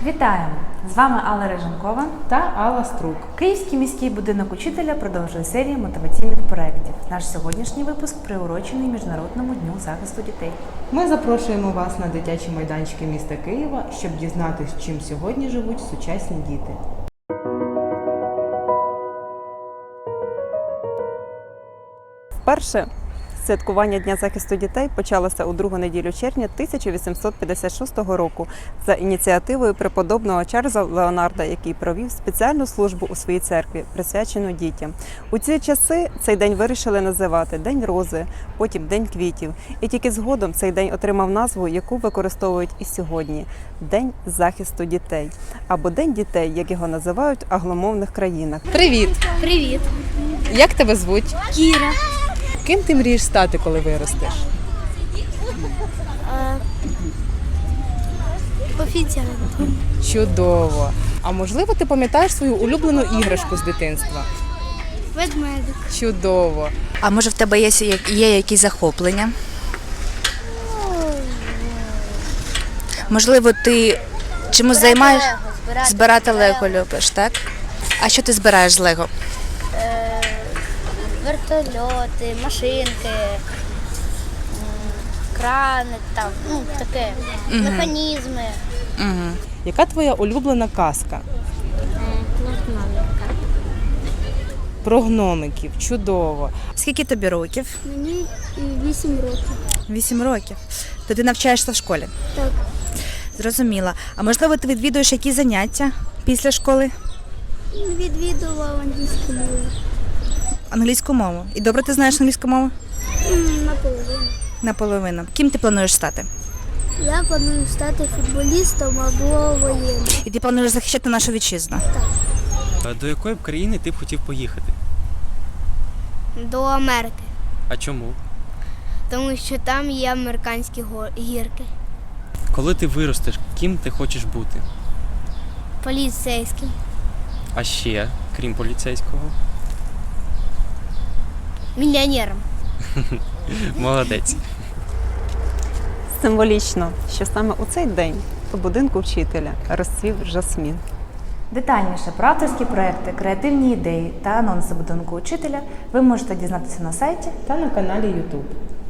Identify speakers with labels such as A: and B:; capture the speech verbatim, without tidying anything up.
A: Вітаємо! З вами Алла Риженкова
B: та Алла Струк.
A: Київський міський будинок учителя продовжує серію мотиваційних проєктів. Наш сьогоднішній випуск приурочений Міжнародному дню захисту дітей.
B: Ми запрошуємо вас на дитячі майданчики міста Києва, щоб дізнатись, чим сьогодні живуть сучасні діти.
C: Вперше святкування Дня захисту дітей почалося у другу неділю червня тисяча вісімсот п'ятдесят шостого року за ініціативою преподобного Чарльза Леонарда, який провів спеціальну службу у своїй церкві, присвячену дітям. У ці часи цей день вирішили називати День рози, потім День квітів. І тільки згодом цей день отримав назву, яку використовують і сьогодні – День захисту дітей. Або День дітей, як його називають в англомовних країнах.
B: Привіт!
D: Привіт,
B: Як тебе звуть?
D: Кіра.
B: Ким ти мрієш стати, коли виростеш?
D: Офіціантом.
B: Чудово! А можливо, ти пам'ятаєш свою улюблену іграшку з дитинства?
D: Ведмедик.
B: Чудово!
E: А може в тебе є, є якісь захоплення? Можливо, ти чимось займаєш?
D: Збирати,
E: Збирати лего любиш, так? А що ти збираєш з лего?
D: вертольоти, машинки, м, крани, там, ну, таке, механізми.
E: Угу.
B: Яка твоя улюблена казка? Про гномиків. Чудово!
E: Скільки тобі років?
D: Мені вісім років.
E: Вісім років. То ти навчаєшся в школі?
D: Так.
E: Зрозуміла. А можливо, ти відвідуєш якісь заняття після школи?
D: Відвідував англійську мову.
E: Англійську мову. І добре ти знаєш англійську мову?
D: Наполовину.
E: Наполовину. Ким ти плануєш стати?
D: Я планую стати футболістом або воєнним.
E: І ти плануєш захищати нашу вітчизну?
F: До якої б країни ти б хотів поїхати?
D: До Америки,
F: А чому?
D: тому що там є американські гірки.
F: Коли ти виростеш, ким ти хочеш бути?
D: Поліцейським.
F: А ще, крім поліцейського?
D: Мільйонером.
F: Молодець.
C: Символічно, що саме у цей день у будинку вчителя розцвів жасмін.
A: Детальніше про авторські проекти, креативні ідеї та анонси будинку учителя ви можете дізнатися на сайті
B: Та на каналі YouTube.